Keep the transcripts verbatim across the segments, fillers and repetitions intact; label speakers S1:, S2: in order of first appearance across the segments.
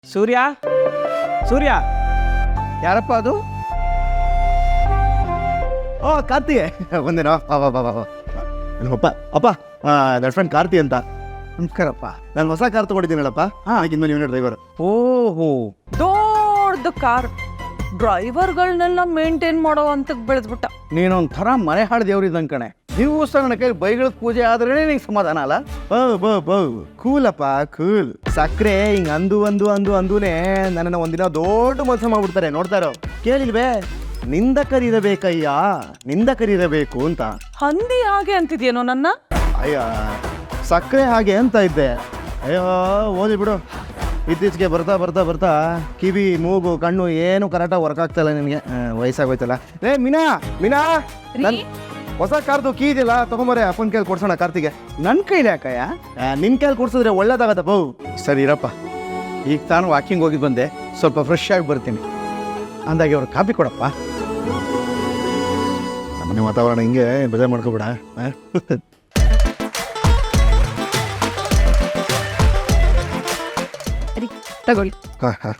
S1: ಸೂರ್ಯ ಸೂರ್ಯ ಯಾರಪ್ಪ ಅದು?
S2: ಓ ಕಾರ್ತಿಗೆ ಒಂದೇನೋ ಬಾ ಬಾ ಬಾ ನಮ್ಮಪ್ಪ ಅಪ್ಪ ನನ್ನ ಫ್ರೆಂಡ್ ಕಾರ್ತಿ ಅಂತ.
S1: ನಮಸ್ಕಾರಪ್ಪ.
S2: ನಾನು ಹೊಸ ಕಾರ್ ತೊಗೊಂಡಿದ್ದೀನಲ್ಲಪ್ಪ. ಹಾಂ ಆಗಿಂದ ನೀವು ಡ್ರೈವರ್.
S1: ಓಹೋ,
S3: ದೊಡ್ಡ ಕಾರ್ ಡ್ರೈವರ್ಗಳನ್ನೆಲ್ಲ ಮೇಂಟೈನ್ ಮಾಡೋ ಅಂತ ಬೆಳೆದ್ಬಿಟ್ಟ.
S1: ನೀನೊಂಥರ ಮನೆ ಹಾಳು ದೇವ್ರಿದ್ದಂಗೆ ಕಣೆ. ದಿವಸ ನನ್ನ ಕೈ ಬೈಗಳ ಪೂಜೆ ಆದ್ರೆ ನಿಂಗೆ ಸಮಾಧಾನ ಅಲ್ಲ?
S2: ಬೌ ಬೌ ಬೌ ಕೂಲಪ್ಪ ಕೂಲ್. ಸಕ್ಕರೆ ಹಿಂಗೆ ಅಂದು ಅಂದು ಅಂದು ಅಂದೂನೇ ನನ್ನನ್ನು ಒಂದಿನ ದೊಡ್ಡ ಮೋಸ ಮಾಡ್ಬಿಡ್ತಾರೆ. ನೋಡ್ತಾರೋ ಕೇಳಿಲ್ವೇ, ನಿಂದ ಕರೀರಬೇಕಯ್ಯ ನಿಂದ ಕರೀರಬೇಕು ಅಂತ.
S3: ಹಂದಿ ಹಾಗೆ ಅಂತಿದ್ಯೇನೋ ನನ್ನ?
S2: ಅಯ್ಯ ಸಕ್ಕರೆ ಹಾಗೆ ಅಂತ ಇದ್ದೆ. ಅಯ್ಯೋ ಓದಿ ಬಿಡು. ಇತ್ತೀಚೆಗೆ ಬರ್ತಾ ಬರ್ತಾ ಬರ್ತಾ ಕಿವಿ ಮೂಗು ಕಣ್ಣು ಏನು ಕರೆಕ್ಟಾಗಿ ವರ್ಕ್ ಆಗ್ತಾ ಇಲ್ಲ ನಿನಗೆ. ವಯಸ್ಸಾಗೋಯ್ತಲ್ಲ. ಏ ಮೀನಾ ಮೀನಾ ನನ್ ಹೊಸ ಕಾರ್ದು ಕೀ ಇದೆಯಲ್ಲ ತಗೊಂಬರೇ, ಅಪ್ಪನ ಕೈಲಿ ಕೊಡ್ಸೋಣ ಕಾರ್ತಿಗೆ.
S1: ನನ್ನ ಕೈಲಿ ಯಾಕಯ್ಯ?
S2: ನಿನ್ನ ಕೈಲಿ ಕೊಡ್ಸಿದ್ರೆ ಒಳ್ಳೇದಾಗತ್ತ ಬೌ. ಸರಿ ಇರಪ್ಪ.
S1: ಈಗ ತಾನು ವಾಕಿಂಗ್ ಹೋಗಿ ಬಂದೆ, ಸ್ವಲ್ಪ ಫ್ರೆಶ್ ಆಗಿ ಬರ್ತೀನಿ. ಅಂದಾಗೆ ಅವ್ರು ಕಾಪಿ ಕೊಡಪ್ಪ.
S2: ನಮ್ಮನೆ ವಾತಾವರಣ ಹಿಂಗೆ ಬೇಜಾರು ಮಾಡ್ಕೊಬೇಡ.
S3: ತಗೊಳ್ಳಿ
S2: ಹಾಂ ಹಾಂ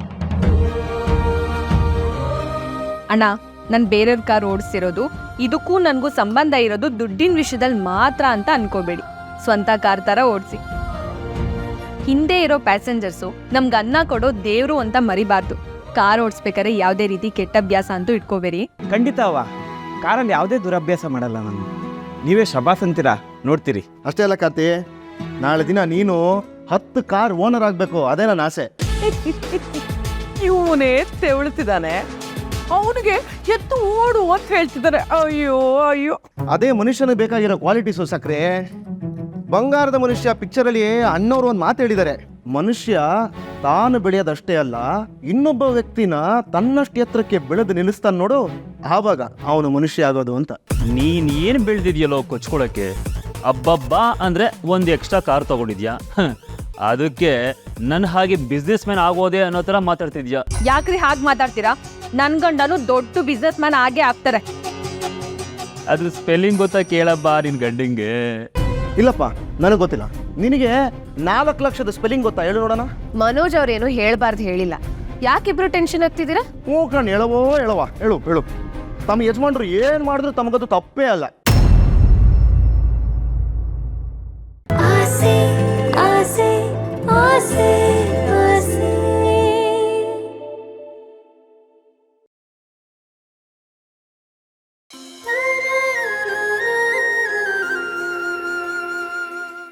S3: ಅಣ್ಣ. ನಾನು ಬೇರೆಯವ್ರ ಕಾರ್ ಓಡಿಸ್ತಿರೋದು, ಇದಕ್ಕೂ ನನಗೂ ಸಂಬಂಧ ಇರೋದು ದುಡ್ಡಿನ ವಿಷಯದಲ್ಲಿ ಮಾತ್ರ ಅಂತ ಅನ್ಕೋಬೇಡಿ. ಸ್ವಂತ ಕಾರ್ ಥರ ಓಡಿಸಿ. ಹಿಂದೆ ಇರೋ ಪ್ಯಾಸೆಂಜರ್ಸು ನಮ್ಗೆ ಅನ್ನ ಕೊಡೋ ದೇವರು ಅಂತ ಮರಿಬಾರ್ದು. ಕಾರ್ ಓಡಿಸ್ಬೇಕಾದ್ರೆ ಯಾವುದೇ ರೀತಿ ಕೆಟ್ಟ ಅಭ್ಯಾಸ ಅಂತೂ ಇಟ್ಕೋಬೇಡಿ.
S1: ಖಂಡಿತ ಅವ್ವ, ಕಾರಲ್ಲಿ ಯಾವುದೇ ದುರಭ್ಯಾಸ ಮಾಡಲ್ಲ ನಾನು. ನೀವೇ ಶಬಾಸ್ ಅಂತೀರಾ, ನೋಡ್ತೀರಿ.
S2: ಅಷ್ಟೇ ಅಲ್ಲ ಕಾರ್ತಿ, ನಾಳೆ ದಿನ ನೀನು ಹತ್ತು ಕಾರ್ ಓನರ್ ಆಗಬೇಕು, ಅದೇ ನನ್ನ ಆಸೆ.
S3: ಇವನೇ ತೆವಳುತ್ತಿದ್ದಾನೆ, ಅವನಿಗೆ ಎತ್ತು ಓಡು ಅಂತ ಹೇಳ್ತಿದ್ದಾರೆ. ಅಯ್ಯೋ ಅಯ್ಯೋ,
S2: ಅದೇ ಮನುಷ್ಯನಿಗೆ ಬೇಕಾಗಿರೋ ಕ್ವಾಲಿಟೀಸು ಸಕ್ರೆ. ಬಂಗಾರದ ಮನುಷ್ಯ ಪಿಕ್ಚರಲ್ಲಿ ಅಣ್ಣವ್ರು ಒಂದು ಮಾತು ಹೇಳಿದ್ದಾರೆ, ಮನುಷ್ಯ ತಾನು ಬೆಳೆಯೋದಷ್ಟೇ ಅಲ್ಲ, ಇನ್ನೊಬ್ಬ ವ್ಯಕ್ತಿನ ತನ್ನಷ್ಟು ಎತ್ತರಕ್ಕೆ ಬೆಳೆದು ನಿಲ್ಲಿಸ್ತಾನೆ ನೋಡು, ಆವಾಗ ಅವನು ಮನುಷ್ಯ ಆಗೋದು ಅಂತ.
S4: ನೀನ್ ಏನ್ ಬೆಳೆದಿದ್ಯಲ್ಲೋ ಕೊಚ್ಕೊಳಕ್ಕೆ. ಅಬ್ಬಬ್ಬಾ ಅಂದ್ರೆ ಒಂದು ಎಕ್ಸ್ಟ್ರಾ ಕಾರ್ ತಗೊಂಡಿದ್ಯಾ, ಅದಕ್ಕೆ ನನ್ನ ಹಾಗೆ ಬಿಸ್ನೆಸ್ ಮ್ಯಾನ್ ಆಗೋದೆ ಅನ್ನೋ ಥರ ಮಾತಾಡ್ತಿದ್ಯಾ.
S3: ಯಾಕ್ರಿ ಹಾಗೆ ಮಾತಾಡ್ತೀರಾ? ನನ್ ಗಂಡನು ದೊಡ್ಡ ಬಿಸ್ನೆಸ್ ಮ್ಯಾನ್ ಆಗೇ ಆಗ್ತಾರೆ.
S4: ಅದ್ರ ಸ್ಪೆಲ್ಲಿಂಗ್ ಗೊತ್ತಾ ಕೇಳಬ್ಬ ನಿನ್ ಗಂಡಿಂಗೆ.
S2: ಇಲ್ಲಪ್ಪ ನನಗೆ ಗೊತ್ತಿಲ್ಲ. ನಿನಗೆ ನಾಲ್ಕು ಲಕ್ಷದ ಸ್ಪೆಲ್ಲಿಂಗ್ ಗೊತ್ತಾ, ಹೇಳು ನೋಡೋಣ.
S5: ಮನೋಜ್ ಅವ್ರೇನು ಹೇಳ್ಬಾರ್ದು ಹೇಳಿಲ್ಲ. ಯಾಕಿಬ್ರು ಟೆನ್ಷನ್ ಆಗ್ತಿದ್ದೀರಾ?
S2: ಹ್ಞೂ ಕಣ್, ಹೇಳವೋ ಹೇಳವ ಹೇಳು ಹೇಳು. ತಮ್ಮ ಯಜಮಾನ್ರು ಏನು ಮಾಡಿದ್ರು ತಮಗದು ತಪ್ಪೇ ಅಲ್ಲ.